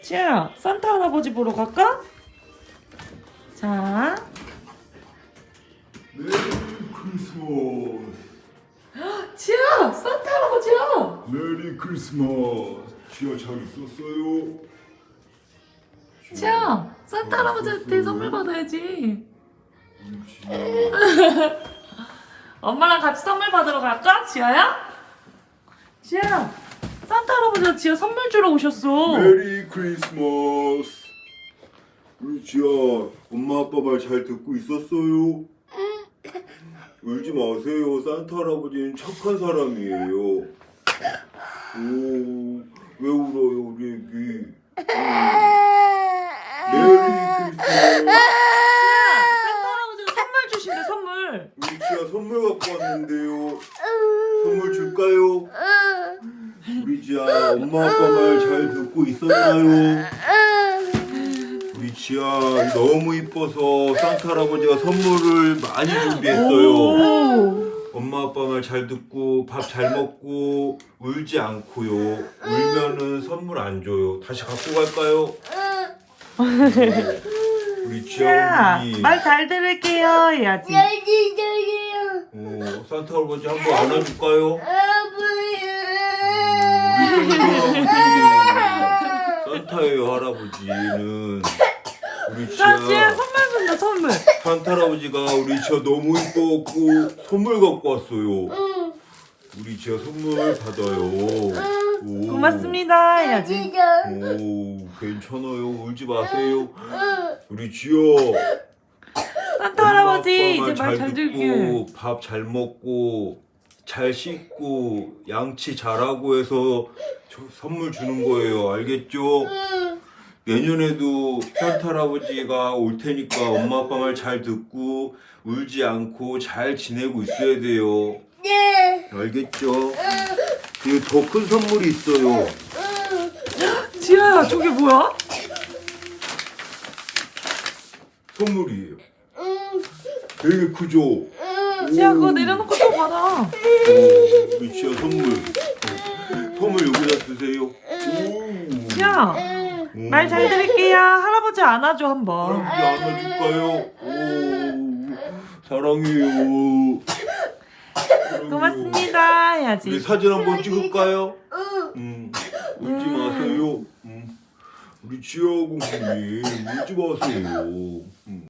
지아야, 산타 할아버지 보러 갈까? 자, 메리 크리스마스. 지아, 산타 할아버지야. 메리 크리스마스. 지아 잘 있었어요? 지아, 산타 할아버지한테 선물 받아야지. 지아. 엄마랑 같이 선물 받으러 갈까? 지아야? 지아, 산타 할아버지가 지아 선물 주러 오셨어. 메리 크리스마스. 우리 지아 엄마 아빠 말 잘 듣고 있었어요? 울지 마세요. 산타 할아버지는 착한 사람이에요. 오, 왜 울어요 우리 애기? 메리 크리스마스. 지아, 산타 할아버지가 선물 주신대, 선물. 우리 지아 선물 갖고 왔는데요. 선물 줄까요? 우리 지아 엄마 아빠 말 잘 듣고 있었나요? 우리 지아 너무 이뻐서 산타 할아버지가 선물을 많이 준비했어요. 오. 엄마 아빠 말 잘 듣고 밥 잘 먹고 울지 않고요. 울면은 선물 안 줘요. 다시 갖고 갈까요? 우리 지아 지아, 어머니. 말 잘 들을게요 해야지. 산타 할아버지 한번 안아줄까요? 산타예요 할아버지는. 우리 자, 지아 지아 선물 준다, 선물. 산타 할아버지가 우리 지아 너무 이뻐갖고 선물 갖고 왔어요. 우리 지아 선물 받아요. 오. 고맙습니다 해야지. 오, 괜찮아요. 울지 마세요. 우리 지아 산타 할아버지 이제 말 잘 들게. 듣고 밥 잘 먹고 잘 씻고 양치 잘하고 해서 선물 주는 거예요. 알겠죠? 내년에도 산타 할아버지가 올 테니까 엄마 아빠 말 잘 듣고 울지 않고 잘 지내고 있어야 돼요. 알겠죠? 그리고 더 큰 선물이 있어요. 지아야, 저게 뭐야? 선물이에요. 되게 크죠? 지아, 그거 내려놓고 또 받아. 우리 지아 선물. 선물 여기다 두세요. 오. 지아, 말 잘 들을게요. 할아버지 안아줘 한번. 할아버지 안아줄까요? 오. 사랑해요. 고맙습니다 우리 해야지. 사진 한번 찍을까요? 울지 마세요. 우리 지아 공주님 울지 마세요.